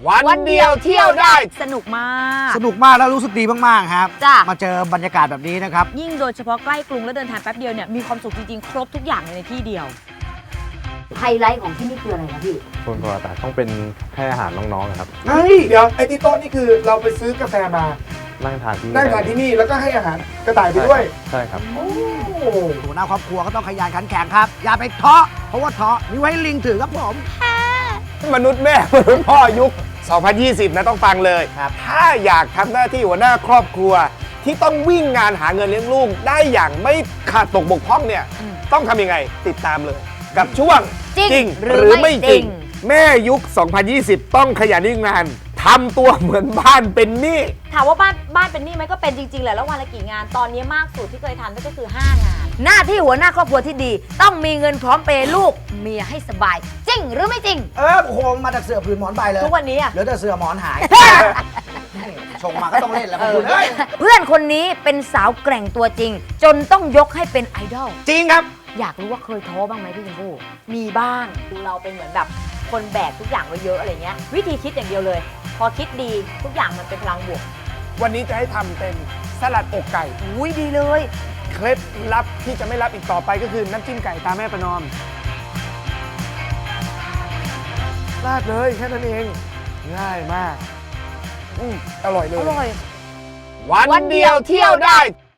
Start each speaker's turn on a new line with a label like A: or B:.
A: วันเดียวเที่ยวได้
B: สนุกมาก
C: สนุกมากแล้วรู้สึกดีมากๆครับ
B: จ้ะ
C: มาเจอบรรยากาศแบบนี้นะครับ
B: ยิ่งโดยเฉพาะใกล้กรุงและเดินทางแป๊บเดียวเนี่ยมีความสุขจริงๆ ครบทุกอย่างในที่เดียว
D: ไฮไลท์ของที่นี่คืออะไรนะพี่
E: คนปกติต้องเป็นให้อาหารน้องๆครับ
A: เฮ้ยเดี๋ยวไอ้ที่โต๊ะนี่คือเราไปซื้อกาแฟมา
E: นั่งทานที่
A: นั่งทานที่นี่แล้วก็ให้อาหารกระต่ายไปด้วย
E: ใช่ครับ
A: โอ้
C: หัวหน้าครอบครัวก็ต้องขยันขันแข็งครับ อย่าไปท้อเพราะว่าท้อมีไว้ให้ลิงถือครับผม
A: มนุษย์แม่มนุษย์พ่อยุค 2020 นะต้องฟังเลยถ้าอยากทำหน้าที่หัวหน้าครอบครัว ที่ต้องวิ่งงานหาเงินเลี้ยงลูกได้อย่างไม่ขาดตกบกพร่องเนี่ยต้องทำยังไงติดตามเลย กับช่วง
B: จริงหรือไม่จริง
A: แม่ยุค 2020 ต้องขยันวิ่งงานทำตัวเหมือนบ้านเป็นหนี้
B: ถามว่าบ้านเป็นหนี้ไหมก็เป็นจริงๆแหละแล้ววันละกี่งานตอนนี้มากสุดที่เคยทำก็คือ 5 งาน
D: หน้าที่หัวหน้าครอบครัวที่ดี ต้องมีเงินพร้อมเปย์ลูกเมียให้สบาย จริงหรือไม่จริง
C: โอ้โหมาจากเสือผืนหมอนใบเลย
B: ทุกวันนี้อะ
C: เหลือแต่เสือหมอนหายชงมาก็ต้องเล่นแล้วคุณเอ้ย
D: เพื่อนคนนี้เป็นสาวแกร่งตัวจริง จนต้องยกให้เป็นไอดอล
C: จริงครับ
D: อยากรู้ว่าเคยท้อบ้างไหมพี่ชมพู่
B: มีบ้างเราเป็นเหมือนแบบคนแบกทุกอย่างไว้เยอะอะไรเงี้ยวิธีคิดอย่างเดียวเลย พอคิดดีทุกอย่างมันเป็นพลังบวก
A: วันนี้จะให้ทำเป็นสลัดอกไก่
D: อุ้ยดีเลย
A: เคล็ดลับที่จะไม่รับอีกต่อไปก็คือน้ำจิ้มไก่ตาแม่ประนอมราดเลยแค่นั้นเอง ง่ายมากอร่อยเลย
D: อร่อย
A: วันเดียวเที่ยวได้